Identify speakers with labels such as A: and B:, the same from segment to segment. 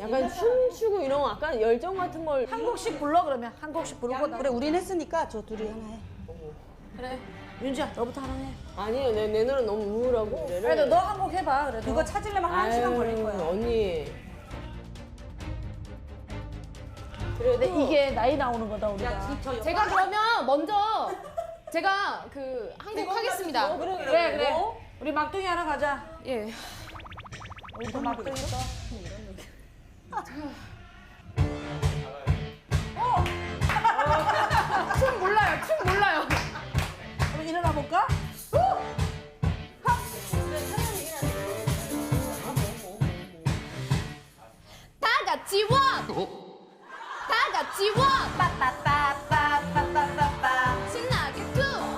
A: 약간 춤추고 이런 거 약간 열정 같은 걸
B: 한 곡씩 불러 그러면 한 곡씩 부르고
C: 그래 우린 했으니까 저 둘이 하나 해.
B: 그래 윤지야 너부터 하나 해.
A: 아니에요. 내 노래 너무 우울하고.
B: 그래도 너 한 곡 해봐. 그래도
C: 그거 찾으려면 한 시간 걸릴 거야.
A: 언니.
B: 근데 이게 나이 나오는 거다 우리가.
D: 제가 그러면 먼저 제가 그 한 곡 하겠습니다.
B: 그래. 우리 막둥이 하나 가자.
D: 예.
B: 우리 또 막둥이 또.
D: 춤 몰라요. 춤 몰라요.
B: 그럼 일어나 볼까?
D: 다 같이 원. 다 같이 원. 빠빠빠빠빠빠빠빠. 신나게 투.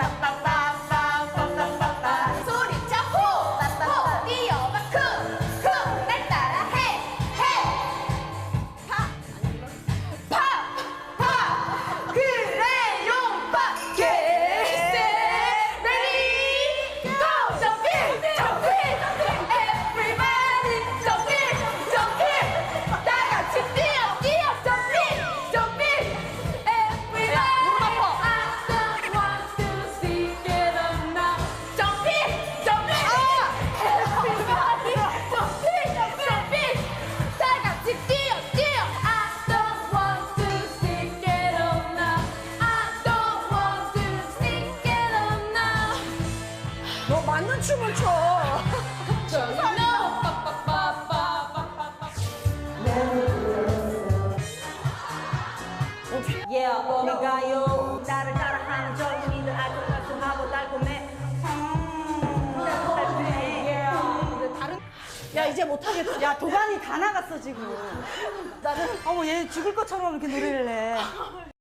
D: 빠빠빠빠빠빠빠빠. 소리쳐 호. 호. 뛰어봐 쿵. 쿵. 날 따라 해. 해. 파. 파. 파. 그래요 파. Get ready go. Jumping. Jumping. Everybody jumping. Jumping. 다 같이 뛰어. 뛰어. Jumping. Jumping. Everybody. I don't want to see get up now. Jumping. Jumping. Everybody. Jumping. Jumping. 다 같이 뛰어. 뛰어. I don't want to see get up now. I don't want to see get up now.
B: 너 맞는 춤을 춰.
D: Girl, you know.
C: Yeah, 어디가요? 나를 따라하는 젊은이들 알콩달콩하고 달콤해.
B: 야 이제 못하겠다.
C: 야 도가니 다 나갔어 지금.
B: 나는
C: 어머 얘 죽을 것처럼 이렇게 노래를 해.